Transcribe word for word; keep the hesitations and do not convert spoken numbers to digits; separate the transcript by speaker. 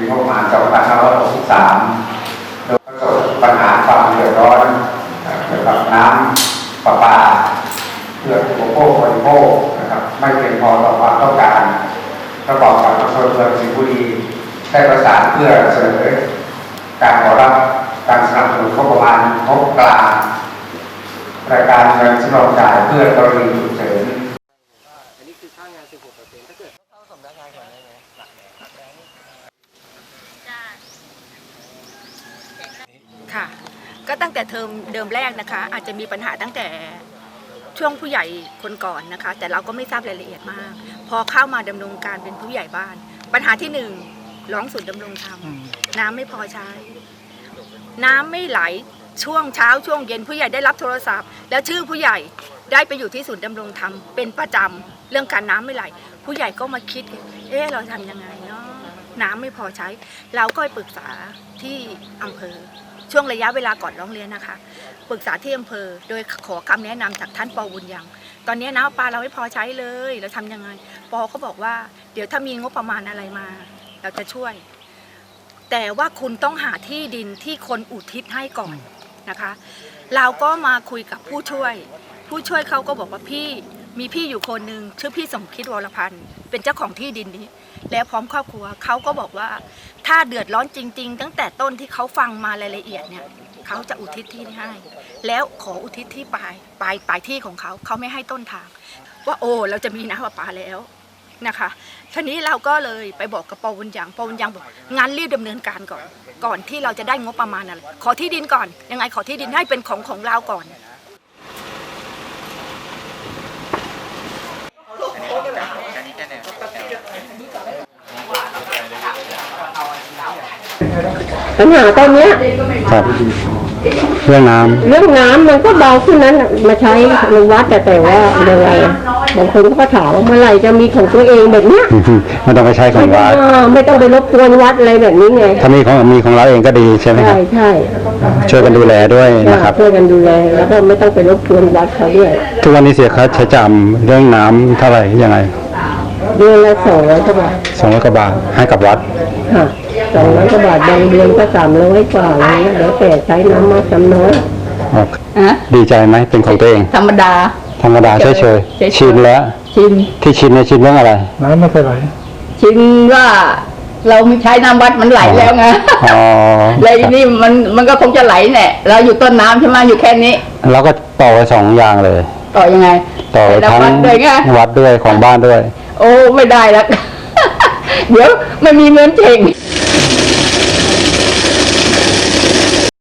Speaker 1: งบประมาณสองพันห้าร้อยหกสิบสามโดยประสบปัญหาความเดือดร้อนเกี่ยวกับน้ำประปาเพื่ออุปโภคบริโภคนะครับไม่เพียงพอต่อความต้องการประกอบกับอำเภอเมืองสิงห์บุรีได้ประสานเพื่อเสนอการขอรับการสนับสนุนงบประมาณงบกลางรายการเงินสำรองจ่ายเพื่อกรณีฉุกเฉิน
Speaker 2: อันนี้คือค่างาน สิบหกเปอร์เซ็นต์ ถ้าเกิดเข้าสำนักงานก่อนได้ไหมหลักแบงค์
Speaker 3: ค่ะก็ตั้งแต่เทอมเดิมแรกนะคะอาจจะมีปัญหาตั้งแต่ช่วงผู้ใหญ่คนก่อนนะคะแต่เราก็ไม่ทราบรายละเอียดมากพอเข้ามาดำรงการเป็นผู้ใหญ่บ้านปัญหาที่หนึ่งร้องศูนย์ดำรงธรรมน้ำไม่พอใช้น้ำไม่ไหลช่วงเช้าช่วงเย็นผู้ใหญ่ได้รับโทรศัพท์แล้วชื่อผู้ใหญ่ได้ไปอยู่ที่ศูนย์ดำรงธรรมเป็นประจำเรื่องการน้ำไม่ไหลผู้ใหญ่ก็มาคิดเอ๊ะเราทำยังไงเนาะน้ำไม่พอใช้เราก็ไปปรึกษาที่อำเภอช่วงระยะเวลาก่อนร้องเรียนนะคะปรึกษาที่อำเภอโดยขอคำแนะนำจากท่านป.บุญยังตอนนี้น้ำปลาเราไม่พอใช้เลยเราทำยังไงป.เขาบอกว่าเดี๋ยวถ้ามีงบประมาณอะไรมาเราจะช่วยแต่ว่าคุณต้องหาที่ดินที่คนอุทิศให้ก่อนนะคะเราก็มาคุยกับผู้ช่วยผู้ช่วยเขาก็บอกว่าพี่มีพี่อยู่คนหนึ่งชื่อพี่สมคิดวรพันธ์เป็นเจ้าของที่ดินนี้แล้วพร้อมครอบครัวเขาก็บอกว่าถ้าเดือดร้อนจริงๆตั้งแต่ต้นที่เขาฟังมารายละเอียดเนี่ยเขาจะอุทิศที่ให้แล้วขออุทิศที่ปลายปลายปลายที่ของเขาเขาไม่ให้ต้นทางว่าโอ้เราจะมีน้ำประปาแล้วนะคะทีนี้เราก็เลยไปบอกกับป.บุญยังป.บุญยังบอกงั้นรีบดำเนินการก่อนก่อนที่เราจะได้งบประมาณอะไรขอที่ดินก่อนยังไงขอที่ดินให้เป็นของของเราก่อน
Speaker 4: ปัญหาตอนนี้
Speaker 5: ครับเรื่องน้ำ
Speaker 4: เรื่องน้ำมันก็เบาขึ้นนั้นมาใช้ในวัดแต่แต่ว่ายังไงบางคนก็ถามว่าเมื่อไหร่จะมีของตัวเองแบบเนี้ย
Speaker 5: ไม่ต้องไปใช้ของวัด
Speaker 4: ไม่ต้องไปรบกวนวัดอะไรแบบนี้ไง
Speaker 5: ถ้ามีของมีของเราเองก็ดีใช่ไหมครับ
Speaker 4: ใช่ใช่
Speaker 5: ช่วยกันดูแลด้วยนะครับ
Speaker 4: ช่วยกันดูแลแล้วก็ไม่ต้องไปรบกวนวัดเขาด้วย
Speaker 5: ทุกวันนี้เสียค่าใช้จ่ายเรื่องน้ำเท่าไหร่ยังไง
Speaker 4: เดือนละสองร้อยกว่าบาท
Speaker 5: สองร้อยกว่าบาทให้กับวัด
Speaker 4: ค่ะสองร้อยกว่าบาทบางเดือนก็สามร้อยกว่าอะไรเงี้ยเดี๋ยวแต่ใช้น้ำมากน้ำน้อย
Speaker 5: ดีใจไหมเป็นของตัวเอง
Speaker 4: ธรรมดา
Speaker 5: ธรรมดาเฉยเฉยชินแล้ว
Speaker 4: ชิน
Speaker 5: ที่ชินเนี่ยชินเรื่องอะไร
Speaker 4: น้ำไม่เคยไหลชินว่าเราไม่ใช้น้ำวัดมันไหลแล้วไงอ๋อเลยนี่มันมันก็คงจะไหลแหละเราอยู่ต้นน้ำใช่ไหมอยู่แค่นี้
Speaker 5: เราก็ต่อไปสองอย่างเลย
Speaker 4: ต่อยังไง
Speaker 5: ต่อทั้งวัดด้วยของบ้านด้วย
Speaker 4: โอ้ไม่ได้แล้วเดี๋ยวไม่มีเงินเจง